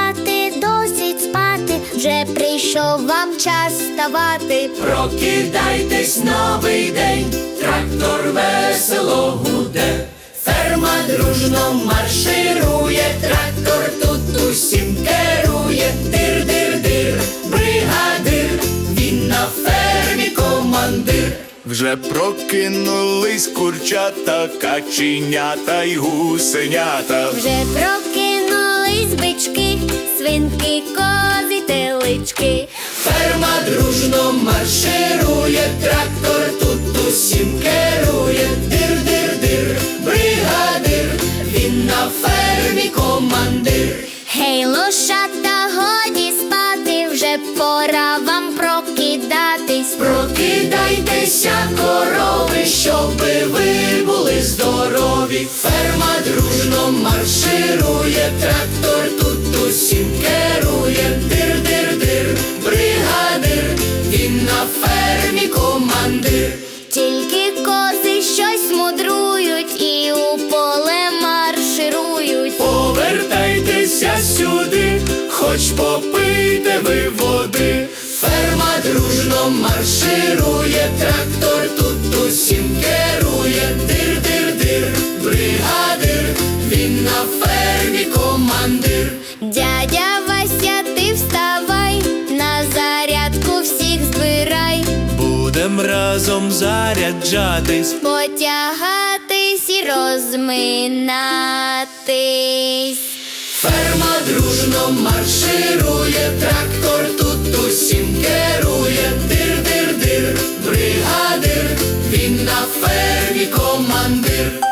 спати, досить спати, вже прийшов вам час вставати. Прокидайтесь, новий день, трактор весело гуде, ферма дружно марширує, трактор тут усім керує. Дир-дир-дир, бригадир, він на фермі командир. Вже прокинулись курчата, каченята й гусенята. Вже прокинулись бички, свинки, кози, телички. Ферма дружно марширує, трактор тут усім керує. Дир-дир-дир, бригадир, він на фермі командир. Гей, лошата, годі спати, вже пора вам прокидатись. Прокидайтеся, корови, щоби ви були здорові. Ферма дружно марширує, трактор тут усім керує. Дир-дир-дир, бригадир, він на фермі командир. Тільки кози щось мудрують і у поле марширують. Повертайтеся сюди, хоч попийте ви води. Ферма дружно марширує, трактор тут усім керує. Дир-дир-дир, бригадир, він на фермі командир. Дядя Вася, ти вставай, на зарядку всіх збирай. Будем разом заряджатись, Потягатись і розминатись. Ферма дружно марширує, трактор тут усім керує. Дир-дир-дир, бригадир, він на фермі командир.